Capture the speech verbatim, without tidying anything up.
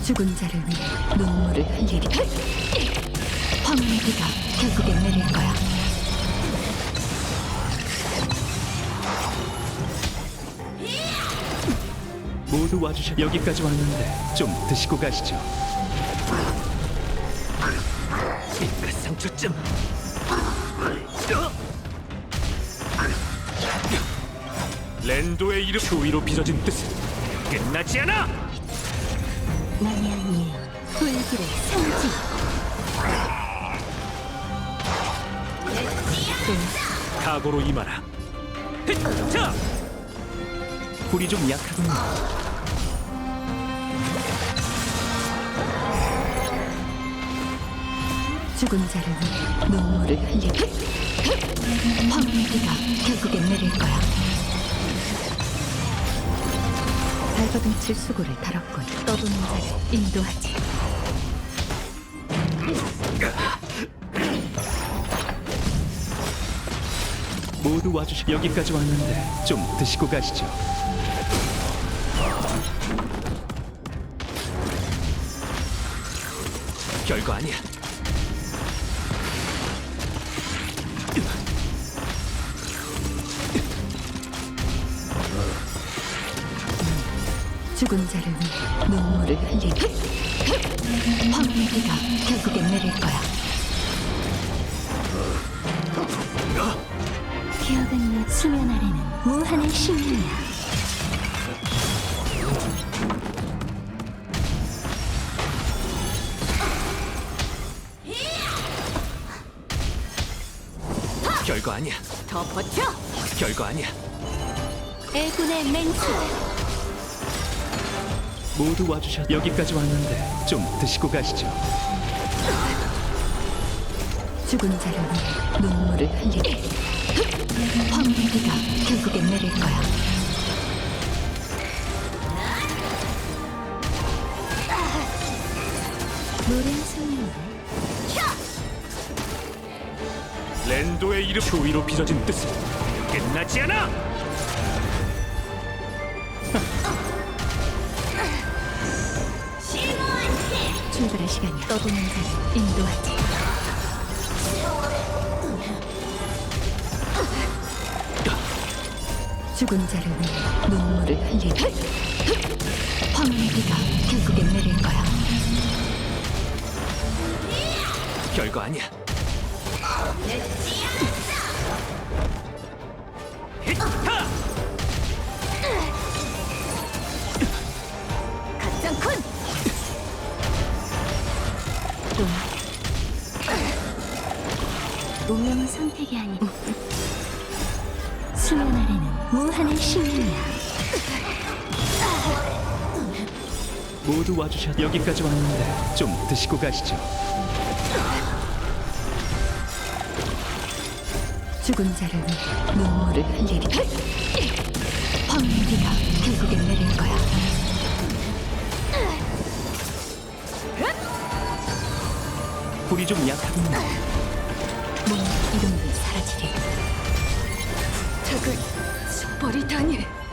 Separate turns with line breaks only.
죽은 자를 위해 눈물을 흘리리. 황혼의 비가 결국엔 내릴 거야.
모두 와주셔. 여기까지 왔는데 좀 드시고 가시죠. 그 상처쯤. 랜도의 이름 추위로 빚어진 뜻은 끝나지 않아.
만약 예언 불길의 성지.
각오로 임하라. 헥! 자! 불이 좀 약하군요.
죽은 자를 위해 눈물을 흘리리. 황혼의 비가 결국엔 내릴 거야. 발버둥칠 수고를 다뤘군. 떠도는 자를 인도하지.
모두 와주시. 여기까지 왔는데 좀 드시고 가시죠. 별거 아니야.
죽은 자를 위해 눈물을 흘리리. 황혼의 비가 결국엔 내릴 거야. 기억은 내 수면 아래는 무한의 신이야.
별거 아니야.
더 버텨!
별거 아니야.
애군의 맹세.
모두 와주셔. 여기까지 왔는데 좀 드시고 가시죠.
죽은 자를 위해 눈물을 흘리리. 황혼의 비가 결국엔 내릴 거야. 노래 소리인데.
랜도의 이름 추위로 빚어진 뜻은 끝나지 않아.
출발할 시간이야. 떠도는 자를 인도하지. 죽은 자를 위해 눈물을 흘리리. 황혼의 비가 결국엔 내릴 거야.
별거 아니야. 히타!
가짱쿤! 좀 운명은 선택이 아니고 수면 아래는 무한의 신이야.
모두 와주셔. 여기까지 왔는데 좀 드시고 가시죠.
죽은 자를 위해 눈물을 흘리리. 황혼의 비가 결국엔 내릴 거야.
불이 좀 약하군요.
몸 이름도 사라지리. 적을 버리다니.